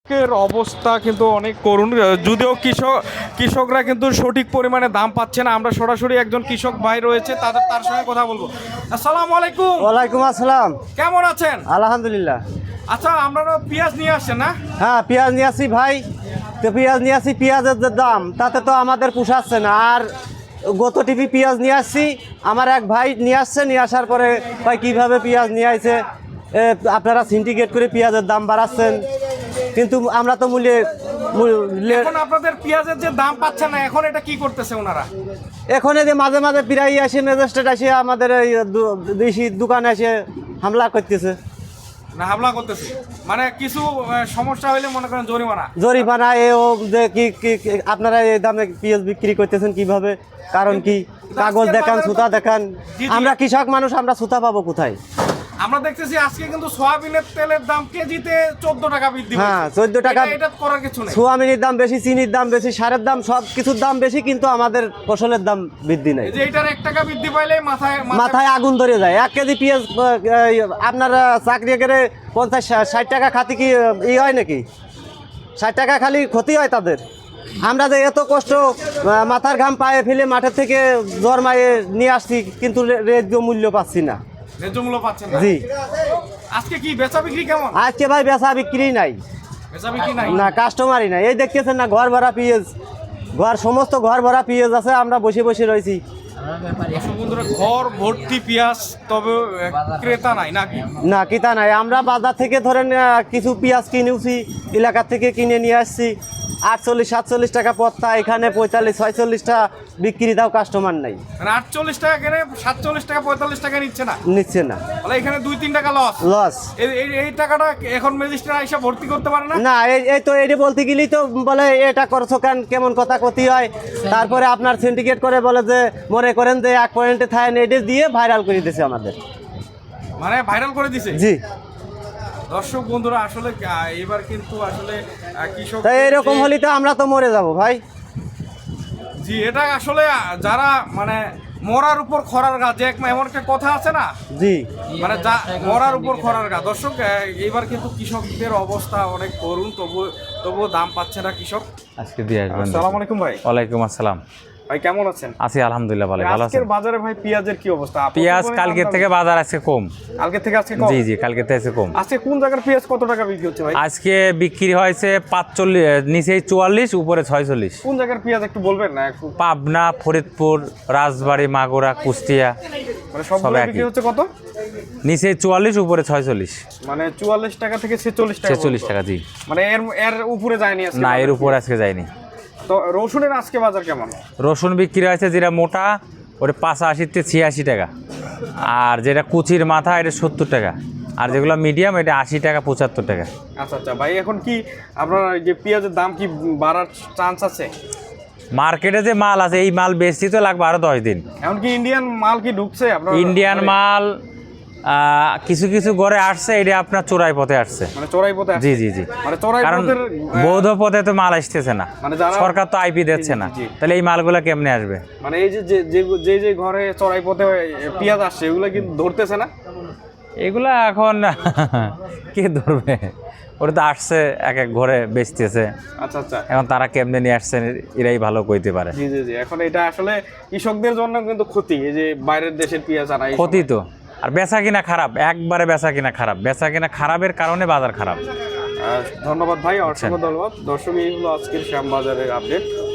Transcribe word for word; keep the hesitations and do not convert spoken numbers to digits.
এর অবস্থা কিন্তু অনেক করুণ। যদিও কৃষক কৃষকরা কিন্তু সঠিক পরিমাণে দাম পাচ্ছে না। আমরা সরাসরি একজন কৃষক ভাই রয়েছে, তাদের তার সঙ্গে কথা বলবো। আসসালামু আলাইকুম। ওয়ালাইকুম আসসালাম। কেমন আছেন? আলহামদুলিল্লাহ। আচ্ছা, আপনারা পেঁয়াজ নিয়ে আসছেন না? হ্যাঁ, পেঁয়াজ নিয়ে আসি ভাই। তো পেঁয়াজ নিয়ে আসি, পেঁয়াজের যে দাম তাতে তো আমাদের পোষাচ্ছে না। আর গত টিপি পেঁয়াজ নিয়ে আসছি, আমার এক ভাই নিয়ে আসছে, নিয়ে আসার পরে ভাই কীভাবে পেঁয়াজ নিয়ে আসছে, আপনারা সিন্ডিকেট করে পেঁয়াজের দাম বাড়াচ্ছেন, কিন্তু আমরা তো মূল্যে এখন আপনাদের পেঁয়াজের যে দাম পাচ্ছেন না, এখন এটা কি করতেছে ওনারা? এখন এই যে মাঝে মাঝে প্রায় আসে, ম্যাজিস্ট্রেট আসে আমাদের এই দেশি দোকানে এসে হামলা করতেছে। না, হামলা করতেছে মানে কিছু সমস্যা হইলে মনে করেন জরিমানা জরিমানা এ ও যে কি আপনারা এই দামে পেঁয়াজ বিক্রি করতেছেন কিভাবে, কারণ কি? কাগজ দেখান, সুতা দেখান। আমরা কৃষক মানুষ, আমরা সুতা পাবো কোথায়? আমরা দেখতেছি আজকে কিন্তু সয়াবিনের তেলের দাম কেজিতে চোদ্দ টাকা বৃদ্ধি। হ্যাঁ, চোদ্দ টাকা। এটা করার কিছু নেই। সোয়াবিনের দাম বেশি, চিনির দাম বেশি, সারের দাম, সব কিছুর দাম বেশি, কিন্তু আমাদের ফসলের দাম বৃদ্ধি নাই। যে এটার এক টাকা বৃদ্ধি পাইলে মাথায় মাথায় আগুন ধরে যায়। এক কেজি পেঁয়াজ আপনার চাকরি করে পঞ্চাশ ষাট টাকা খাতি কি ই হয় নাকি? ষাট টাকা খালি ক্ষতি হয় তাদের। আমরা যে এত কষ্ট মাথার ঘাম পায়ে ফেলে মাঠের থেকে জন্মায়ে নিয়ে আসছি, কিন্তু ন্যায্য মূল্য পাচ্ছি না। ন্যায্য মূল্য পাচ্ছেন না? জি। আজকে কি বেচা বিক্রি কেমন? আজকে ভাই বেচা বিক্রি নাই, বেচা বিক্রি নাই না, কাস্টমারই নাই। এই দেখতেছেন না, ঘর ভরা পেঁয়াজ, ঘর সমস্ত ঘর ভরা পেঁয়াজ আছে, আমরা বসে বসে রয়েছি। ঘর ভর্তি পেঁয়াজ, তবে ক্রেতা নাই নাকি? না, ক্রেতা নাই। আমরা বাজার থেকে ধরেন কিছু পেঁয়াজ কিনেছি, এলাকা থেকে কিনে নিয়ে আসছি, আটচল্লিশ সাতচল্লিশ টাকা পত্তা, এখানে পঁয়তাল্লিশ ছয়চল্লিশ টাকা বিক্রি, দাও কাস্টমার নাই। মানে আটচল্লিশ টাকা কেনে, সাতচল্লিশ টাকা পঁয়তাল্লিশ টাকা নিচ্ছে না, নিচ্ছে না। তাহলে এখানে দুই তিন টাকা লস। লস। এই টাকাটা এখন ম্যাজিস্ট্রেট আইসা ভর্তি করতে পারে না? না, এই তো এটা বলতে গেলেই তো বলে এটা করছো কেন, কেমন কথা ক্ষতি হয়। তারপরে আপনার সিন্ডিকেট করে বলে যে মনে করেন যে এক পয়েন্টে থাকেন, এটা দিয়ে ভাইরাল করে দিয়েছে আমাদের। মানে ভাইরাল করে দিছে? জি। দর্শক বন্ধুরা, আসলে এবার কিন্তু আসলে কৃষক, তাই এরকম হলে তো আমরা তো মরে যাব ভাই। জি, এটা আসলে যারা মানে মরার উপর খরার গা, যে এমন একটা কথা আছে না? জি। মানে যা মরার উপর খরার গা। দর্শক, এইবার কিন্তু কৃষকদের অবস্থা অনেক করুণ, তবু তবুও দাম পাচ্ছে না কৃষক। আজকে দিয়ে আসবেন। আসসালামু আলাইকুম ভাই। ওয়ালাইকুম আসসালাম ভাই, কেমন আছেন? আছি আলহামদুলিল্লাহ, ভালো। ভালো আছেন? আজকের বাজারে ভাই পেঁয়াজের কি অবস্থা? পেঁয়াজ কালকে থেকে বাজার আজকে কম। কালকে থেকে আজকে কম? জি জি, কালকে থেকে আজকে কম। আজকে কোন জায়গার পেঁয়াজ কত টাকা বিক্রি হচ্ছে ভাই? আজকে বিক্রি হয়েছে পাঁচচল্লিশ, নিচে চুয়াল্লিশ, উপরে ছয়চল্লিশ। কোন জায়গার পেঁয়াজ একটু বলবেন না? একটু পাবনা, ফরিদপুর, রাজবাড়ী, মাগুরা, কুষ্টিয়া, মানে সবগুলো বিক্রি হচ্ছে কত? নিচে চুয়াল্লিশ, উপরে ছয়চল্লিশ। মানে চুয়াল্লিশ টাকা থেকে ছেচল্লিশ টাকা। ছেচল্লিশ টাকা, জি। মানে এর এর উপরে যায়নি আজকে? না, এর উপরে আজকে যায়নি। তো রসুনের আজকে বাজার কেমন? রসুন বিক্রি হয়েছে যেটা মোটা, ওটা পাঁচাশিতে ছিয়াশি টাকা, আর যেটা কুচির মাথা এটা সত্তর টাকা, আর যেগুলো মিডিয়াম এটা আশি টাকা পঁচাত্তর টাকা। আচ্ছা আচ্ছা ভাই, এখন কি আপনার যে পেঁয়াজের দাম কি বাড়ার চান্স আছে? মার্কেটে যে মাল আছে, এই মাল বেচতে তো লাগবে আরো দশ দিন। এখন কি ইন্ডিয়ান মাল কি ঢুকছে আপনার? ইন্ডিয়ান মাল কিছু কিছু ঘরে আসছে, এটা আপনার চোরাই পথে আসছে। মানে চোরাই পথে? জি জি জি। মানে চোরাই পথের, বৈধ পথে তো মাল আসতেছে না, মানে সরকার তো আইপি দিচ্ছে না, তাহলে এই মালগুলো কেমনে আসবে? মানে এই যে যে যে ঘরে চোরাই পথে পেঁয়াজ আসছে, এগুলো কি ধরতেছে না? এগুলা এখন কে ধরবে? ওরা তো আসছে এক এক ঘরে বেচতেছে। আচ্ছা আচ্ছা। এখন তারা কেমনে নিয়ে আসছে এরাই ভালো কইতে পারে। জি জি জি। এখন এটা আসলে কৃষকদের জন্য কিন্তু ক্ষতি, এই যে বাইরের দেশের পেঁয়াজ আনা। ক্ষতি তো, আর বেচা কিনা খারাপ, একবারে বেচা কিনা খারাপ, বেচা কিনা খারাপের কারণে বাজার খারাপ। ধন্যবাদ ভাই, অসংখ্য ধন্যবাদ। দর্শক, এই হলো আজকের শ্যামবাজারের আপডেট।